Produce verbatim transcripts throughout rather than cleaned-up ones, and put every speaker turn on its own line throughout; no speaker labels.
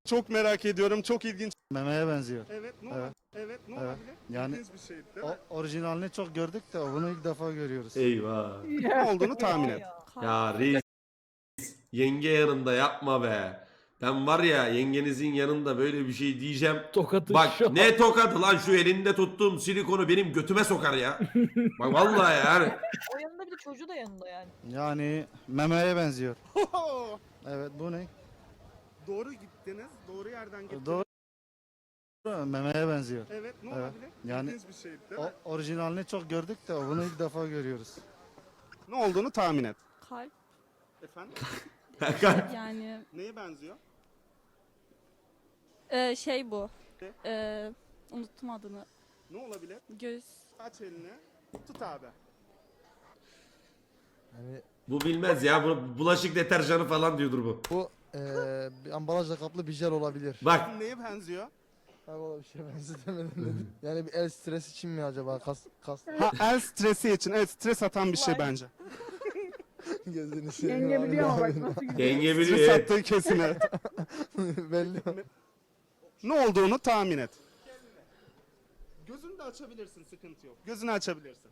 Çok merak ediyorum. Çok ilginç.
Memeye benziyor.
Evet, ne
Evet.
olabilir? Evet, ne
Evet.
olabilir?
Yani
İlginç bir şey, değil mi?
O, orijinalini çok gördük de bunu ilk defa görüyoruz.
Eyvah.
Ne olduğunu tahmin et.
Ya reis yenge yanında yapma be. Ben var ya yengenizin yanında böyle bir şey diyeceğim.
Tokatı
Bak
şu an.
ne tokadı lan, şu elinde tuttuğum silikonu benim götüme sokar ya. Bak vallahi yani.
O yanında bir de çocuğu da yanında yani.
Yani memeye benziyor. Evet, bu ne?
Doğru gittiniz. Doğru yerden gittiniz.
Doğru. Memeye benziyor.
Evet, ne
Evet.
olabilir?
Yani
İlginç bir şey, değil mi?
O, orijinalini çok gördük de bunu ilk defa görüyoruz.
Ne olduğunu tahmin et.
Kalp
Efendim?
yani
Neye benziyor?
e, şey bu.
Ne?
E, unuttum adını.
Ne olabilir?
Göz.
Aç elini. Tut abi.
Bu bilmez ya. Bu bulaşık deterjanı falan diyordur bu.
Bu eee bir ambalajla kaplı bir jel olabilir.
Bak
Neye benziyor?
Ha valla bir şey benzetemedim dedim. Yani bir el stresi için mi acaba? Kas kas
Ha, el stresi için. Evet, stres atan bir şey bence.
gözünü seveyim.
Yenge
abi,
biliyor ama
ne
bak nasıl gidiyor.
yenge biliyor.
Stres
Evet.
attığı kesin evet.
yapayım? Belli.
Ne olduğunu tahmin et. Gözünü de açabilirsin, sıkıntı yok. Gözünü açabilirsin.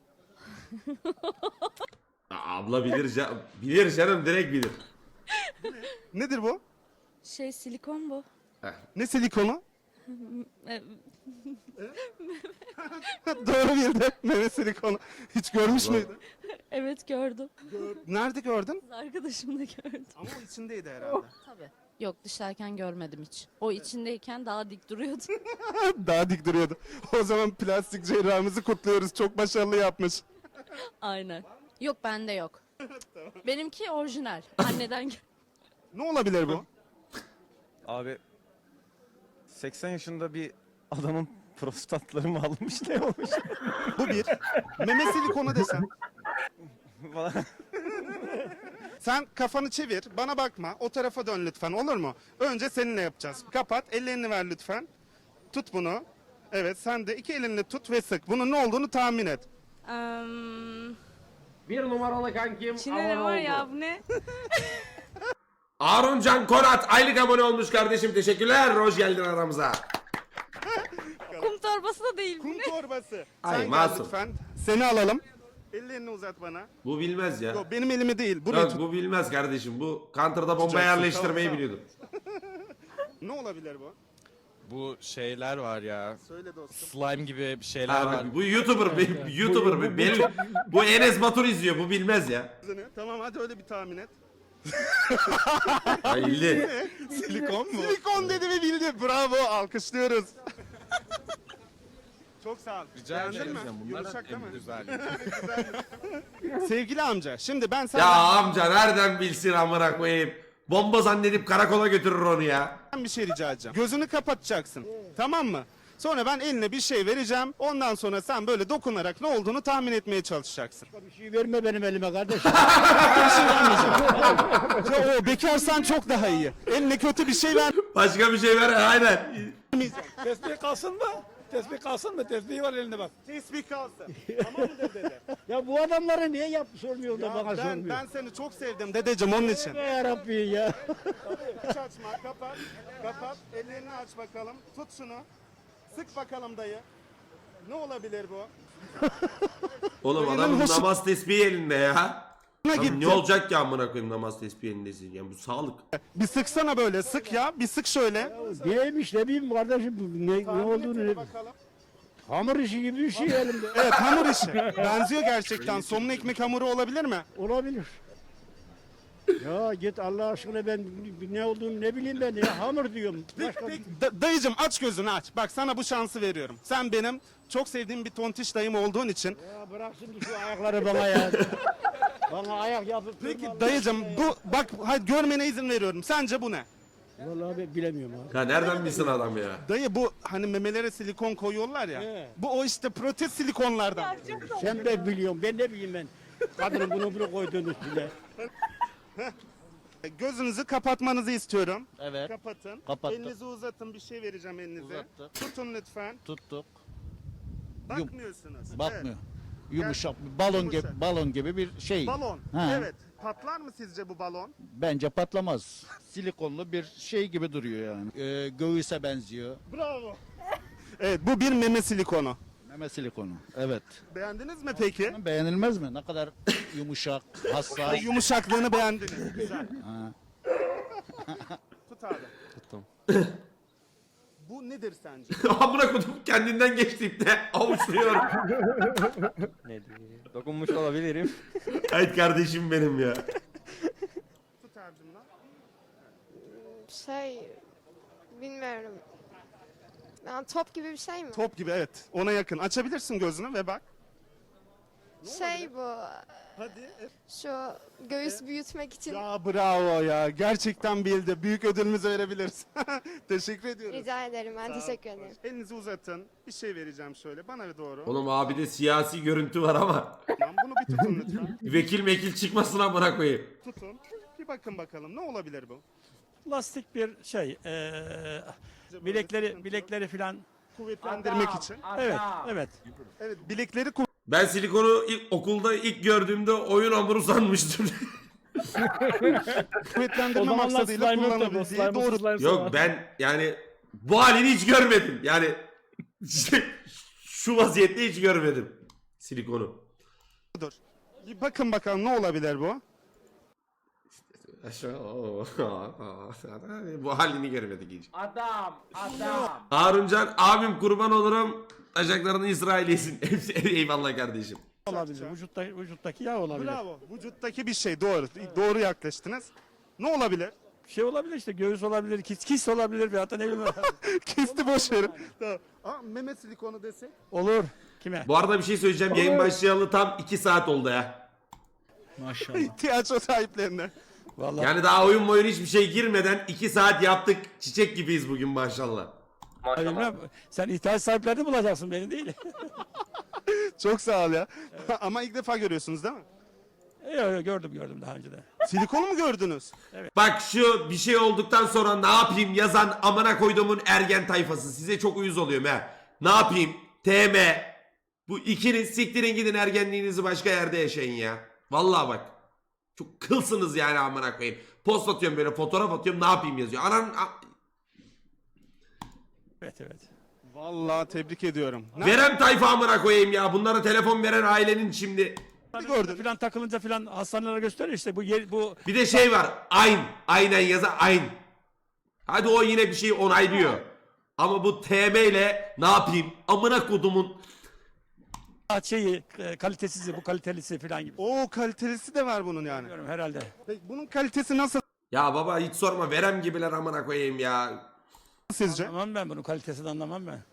Aa, abla bilir, ca- bilir canım, direkt bilir.
Nedir bu?
Şey silikon bu.
Ne silikonu?
E,
Doğru bildi. Meme silikonu. Hiç görmüş
Allah.
müydün?
evet gördüm.
Nerede gördün?
Kız arkadaşımla gördüm.
Ama o içindeydi herhalde.
Tabii. Yok dışarıken görmedim hiç. O içindeyken daha dik duruyordu.
Daha dik duruyordu. O zaman plastik cerrahımızı kutluyoruz. Çok başarılı yapmış.
Aynen.
Yok bende yok. Benimki orijinal. Anneden gel-
Ne olabilir bu?
Abi seksen yaşında bir adamın prostatları mı almış ne olmuş?
Bu bir. Meme silikonu desem.
Falan.
Sen kafanı çevir. Bana bakma. O tarafa dön lütfen. Olur mu? Önce seninle yapacağız. Kapat. Ellerini ver lütfen. Tut bunu. Evet, sen de iki elinle tut ve sık. Bunun ne olduğunu tahmin et.
Bir numaralı kankim
İçinde ne var ya bu ne?
Harun Can Korat aylık abone olmuş kardeşim, teşekkürler. Hoş geldin aramıza.
Kum torbası da değil bu
Kum
ne?
torbası.
Ay,
Sen gel
masum.
lütfen. Seni alalım. Ellerini uzat bana.
Bu bilmez ya.
Yok, benim elimi değil. Burayı
Yok
tut.
bu bilmez kardeşim. Bu Counter'da bomba
Tutacaksın,
yerleştirmeyi
tamam,
biliyordu.
Ne olabilir bu?
Bu şeyler var ya.
Söyle dostum.
Slime gibi bir şeyler
Ha,
var.
bak, bu YouTuber, bir- YouTuber bir belli. Bu Enes Batur izliyor. Bu bilmez ya.
Tamam, hadi öyle bir tahmin et.
Ay bildi.
Silikon mu? Silikon dedi ve bildi. Bravo, alkışlıyoruz. Çok sağ ol.
Rica
Beğendin
ederim.
mi?
Bunlar
Yumuşak değil mi?
en güzel.
Sevgili amca, şimdi ben
Ya
senden
amca nereden bilsin amına koyayım. Bomba zannedip karakola götürür onu ya.
bir şey rica edeceğim. Gözünü kapatacaksın. Tamam mı? Sonra ben eline bir şey vereceğim. Ondan sonra sen böyle dokunarak ne olduğunu tahmin etmeye çalışacaksın.
Bir şey verme benim elime kardeşim.
Ya o bekarsan çok daha iyi. Eline kötü bir şey
Başka bir şey ver aynen.
vermeyeceksin.
Tesbih kalsın mı? Tesbih kalsın mı? Tesbih var elinde bak.
Tesbih kalsın. Tamam mı dede?
Ya bu adamları niye yap sormuyor da
Ya
bana
ben,
sormuyor.
ben seni çok sevdim dedeciğim onun için.
Be yarabbi ya.
Hiç açma, kapat. Kapat. Ellerini aç bakalım. Tut şunu. Sık bakalım dayı. Ne olabilir bu?
Oğlum
Benim
adamın
hoşum-
namaz tesbihi elinde ya.
Ne
Lan
gitti?
ne olacak ki amına koyayım namaz tesbihi elindesin. Yani bu sağlık.
Bir sıksana böyle. Sık ya. Bir sık şöyle.
Neymiş ne bileyim kardeşim bu ne, ne
Tahmin
olduğunu
etsene
ne
bakalım.
Hamur işi gibi bir şey elimde.
Evet, hamur işi. Benziyor gerçekten. Somun ekmek hamuru olabilir mi?
Olabilir. Ya git Allah aşkına ben ne olduğunu ne bileyim ben ya hamur diyorum. Başka
Peki, da- dayıcım aç gözünü aç. Bak sana bu şansı veriyorum. Sen benim çok sevdiğim bir tontiş dayım olduğun için.
Ya bırak şimdi şu ayakları bana ya. Bana ayak yapıp
Peki
durma Allah
dayıcım
aşkına ya.
bu bak hadi görmene izin veriyorum. Sence bu ne?
Vallahi ben bilemiyorum abi.
Ya nereden bilsin adam ya?
Dayı bu hani memelere silikon koyuyorlar ya.
He.
Bu o işte protez silikonlardan.
Sen de biliyorsun ben ne bileyim ben. Kadının bunu bunu koyduğunu bile.
Gözünüzü kapatmanızı istiyorum.
Evet.
Kapatın.
Kapattık.
Elinizi uzatın. Bir şey vereceğim elinize.
Uzattık.
Tutun lütfen.
Tuttuk.
Bakmıyorsunuz.
Bakmıyor.
Evet.
Yumuşak, balon
Yumuşak.
gibi balon gibi bir şey.
Balon.
Ha.
Evet. Patlar mı sizce bu balon?
Bence patlamaz. Silikonlu bir şey gibi duruyor yani. Ee, göğüse benziyor.
Bravo. Evet, bu bir meme silikonu.
Meme silikonu. Evet.
Beğendiniz mi peki?
Beğenilmez mi? Ne kadar yumuşak, hassas.
Yumuşaklığını beğendiniz. Güzel.
Ha.
Tut abi.
Tuttum.
Bu nedir sence?
Amına kodum kendinden geçti ipte. Avuçluyor.
Ne diyeyim? Dokunmuş olabilirim.
Haydi kardeşim benim ya.
Tut abicim lan.
Şey, bilmiyorum. Yani top gibi bir şey mi?
Top gibi evet. Ona yakın. Açabilirsin gözünü ve bak.
Şey bu,
Hadi.
şu göğüs büyütmek için.
Ya bravo ya. Gerçekten bildi. Büyük ödülümüzü verebiliriz. Teşekkür ediyoruz.
Rica ederim, ben teşekkür ederim.
Elinizi uzatın. Bir şey vereceğim şöyle. Bana doğru.
Oğlum abi de siyasi görüntü var ama.
Tamam, bunu bir tutun lütfen.
Vekil mekil çıkmasın amına koyayım.
Tutun. Bir bakın bakalım. Ne olabilir bu?
Plastik bir şey. eee, bilekleri bilekleri filan.
Kuvvetlendirmek için.
Evet, evet.
Evet, bilekleri
Ben silikonu ilk, okulda ilk gördüğümde oyun hamuru sanmıştım.
kuvvetlendirme maksadıyla kullanılabildiği doğru.
Yok ben yani bu halini hiç görmedim. Yani şu vaziyette hiç görmedim silikonu.
Dur. Bir bakın bakalım ne olabilir bu?
Bu halini görmedik hiç.
Adam, adam.
Haruncan abim kurban olurum. Taşaklarını İsrail yesin. Hepsi eyvallah kardeşim.
Olabilir. Vücutta, vücuttaki yağ olabilir.
Bravo. Vücuttaki bir şey doğru. Doğru yaklaştınız. Ne olabilir?
Bir şey olabilir işte. Göğüs olabilir, kis, kis olabilir bir hatta ne bileyim.
Kisti boş verin. Tamam. Aa, meme silikonu desek.
Olur. Kime?
Bu arada bir şey söyleyeceğim. Yayın başlayalı tam iki saat oldu ya.
Maşallah.
Tiyatro sahiplerine.
Vallahi.
Yani daha oyun oyun hiçbir şey girmeden iki saat yaptık. Çiçek gibiyiz bugün maşallah.
Bilmem, sen ihtiyaç sahiplerini bulacaksın beni değil.
Çok sağ ol ya. Ama ilk defa görüyorsunuz değil mi?
Yok yok gördüm gördüm daha önce de.
Silikonu mu gördünüz?
Bak şu bir şey olduktan sonra ne yapayım yazan amına koyduğumun ergen tayfası. Size çok uyuz oluyorum ha. Ne yapayım? T M. Bu ikiniz siktirin gidin ergenliğinizi başka yerde yaşayın ya. Vallahi bak. Çok kılsınız yani amına koyayım. Post atıyorum böyle fotoğraf atıyorum ne yapayım yazıyor. Anan a-
Evet evet.
Vallahi tebrik ediyorum. Ne
Verem tayfa amına koyayım ya. Bunlara telefon veren ailenin şimdi.
gördün?
Filan takılınca filan hastanelere gösteriyor işte bu yer, bu
Bir de şey var. Ayn. Aynen yaza ayn. Hadi o yine bir şey onaylıyor. Ama bu T M ile ne yapayım? Amına kodumun.
şeyi e, kalitesizi bu kalitelisi filan gibi.
Oo, kalitelisi de var bunun yani.
Bilmiyorum herhalde.
Peki bunun kalitesi nasıl
Ya baba hiç sorma. Verem gibiler amına koyayım ya.
sizce?
Anlamam ben bunun kalitesini anlamam ben.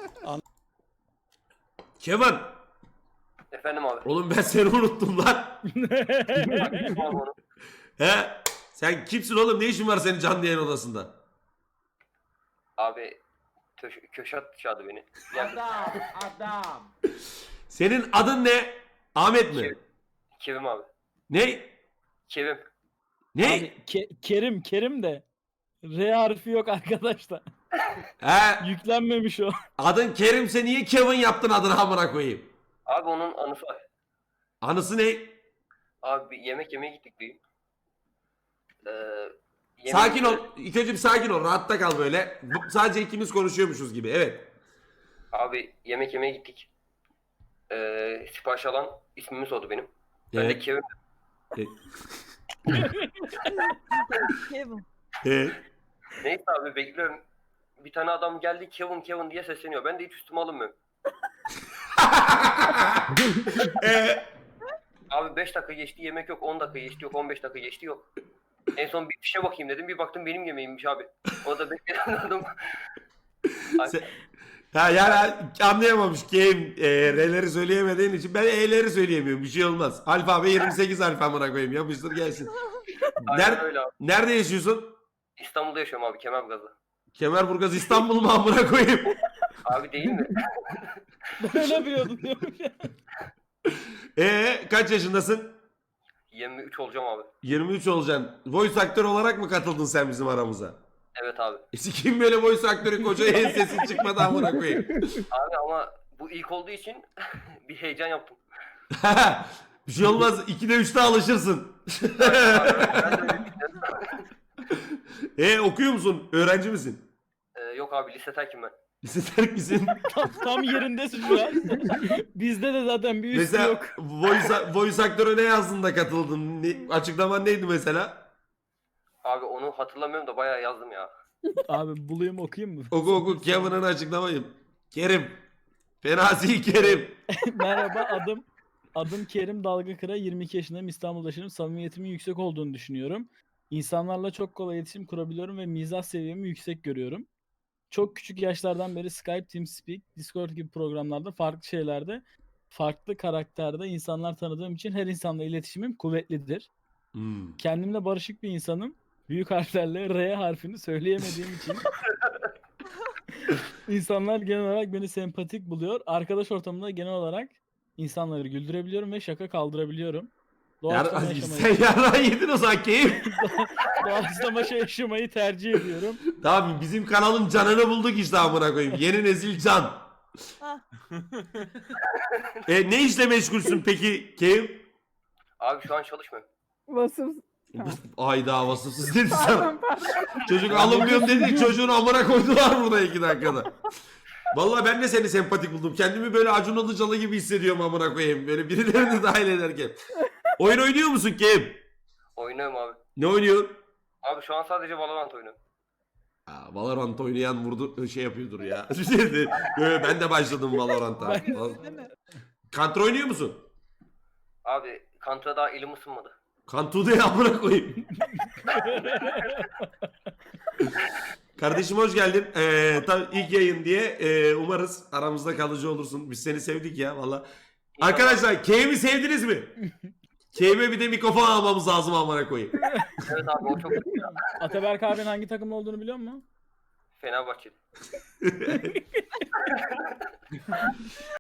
Kevin.
Efendim abi.
Oğlum ben seni unuttum lan. He? Sen kimsin oğlum? Ne işin var senin canlı yayın odasında?
Abi töş- Köşat çağırdı beni.
Adam, adam.
Senin adın ne? Ahmet mi?
Kevim abi.
Ne?
Kevim.
Ne?
Kerim, Kerim de R harfi yok arkadaşlar.
He?
Yüklenmemiş o.
Adın Kerim'se niye Kevin yaptın adını amına koyayım?
Abi onun anısı var.
Anısı ne?
Abi bir yemek yemeye gittik bir. Ee, yemeğin-
Sakin ol. İlk önce bir sakin ol. Rahatta kal böyle. Bu- Sadece ikimiz konuşuyormuşuz gibi. Evet.
Abi yemek yemeye gittik. Ee, sipariş alan ismimi sordu benim. Ben de
Evet.
Kevim.
Kevin.
Evet.
Neyse abi bekliyorum. Bir tane adam geldi Kevin Kevin diye sesleniyor. Ben de hiç üstüme alınmıyorum.
Ee,
Abi beş dakika geçti yemek yok, on dakika geçti yok, on beş dakika geçti yok. En son bir fişe bakayım dedim. Bir baktım benim yemeğimmiş abi. O da bekleyen adam.
Sen- ha yani anlayamamış game e, R'leri söyleyemediğin için ben E'leri söyleyemiyorum. Bir şey olmaz. Alfabe yirmi sekiz alfa amına koyayım. Yapıştır gelsin.
Aynen
Ner-
öyle abi.
Nerede yaşıyorsun?
İstanbul'da yaşıyorum abi, Kemerburgaz'da.
Kemerburgaz İstanbul mu amına koyayım?
Abi değil mi?
Öyle biliyordum diyormuş.
Ee kaç yaşındasın?
yirmi üç olacağım abi.
yirmi üç olacaksın. Voice aktör olarak mı katıldın sen bizim aramıza?
Evet abi.
E kim böyle voice aktörü koca en sesi çıkmadı amına koyayım.
Abi ama bu ilk olduğu için bir heyecan yaptım.
Bir şey olmaz. ikide üçte alışırsın. e okuyor musun? Öğrenci misin?
Ee, yok abi lise terkim ben.
Lise terk misin?
Tam, tam yerindesin şu an. Bizde de zaten bir üstü
Mesela
yok.
voice, voice aktöre ne yazdın da katıldın? Ne, açıklaman neydi mesela?
Abi onu hatırlamıyorum da bayağı yazdım ya.
Abi bulayım okuyayım mı?
Oku oku Kevin'ın açıklamayı. Kerim. Fenasi Kerim.
Merhaba adım adım Kerim Dalgakıra. yirmi iki yaşındayım. İstanbul'da yaşıyorum. Samimiyetimin yüksek olduğunu düşünüyorum. İnsanlarla çok kolay iletişim kurabiliyorum ve mizah seviyemi yüksek görüyorum. Çok küçük yaşlardan beri Skype, TeamSpeak, Discord gibi programlarda farklı şeylerde farklı karakterde insanlar tanıdığım için her insanla iletişimim kuvvetlidir.
Hmm.
Kendimle barışık bir insanım. Büyük harflerle R harfini söyleyemediğim için insanlar genel olarak beni sempatik buluyor. Arkadaş ortamında genel olarak insanları güldürebiliyorum ve şaka kaldırabiliyorum. Doğaçlama
Yar,
yaşamayı,
sen yarrağı yedin o zaman Keyif.
doğaçlama şey yaşamayı tercih ediyorum.
Tamam bizim kanalın canını bulduk işte amına koyayım. Yeni nesil can.
Ah.
e, ne işle meşgulsün peki Keyif?
Abi şu an çalışmıyorum.
Vasıf.
Ayda vasıfsız dedi sana. Çocuk alınmıyorum dedi, çocuğun amına koydular burada iki dakikada. Vallahi ben de seni sempatik buldum. Kendimi böyle Acun Ilıcalı gibi hissediyorum amına koyayım. Böyle birilerini dahil ederken. Oyun oynuyor musun Kim?
Oynuyorum abi.
Ne oynuyorsun?
Abi şu an sadece Valorant oynuyorum.
Aa, Valorant oynayan vurdu şey yapıyordur ya. Böyle ben de başladım Valorant'a. Counter oynuyor musun?
Abi Contra daha elim ısınmadı.
Kantu'da ya amına koyayım. Kardeşim hoş geldin. Ee, tabii ilk yayın diye e, umarız aramızda kalıcı olursun. Biz seni sevdik ya valla. Arkadaşlar K'mi sevdiniz mi? K'me bir de mikrofon almamız lazım amına koyayım.
Evet abi o çok kötü ya.
Ataberk abinin hangi takımda olduğunu biliyor musun?
Fenerbahçe.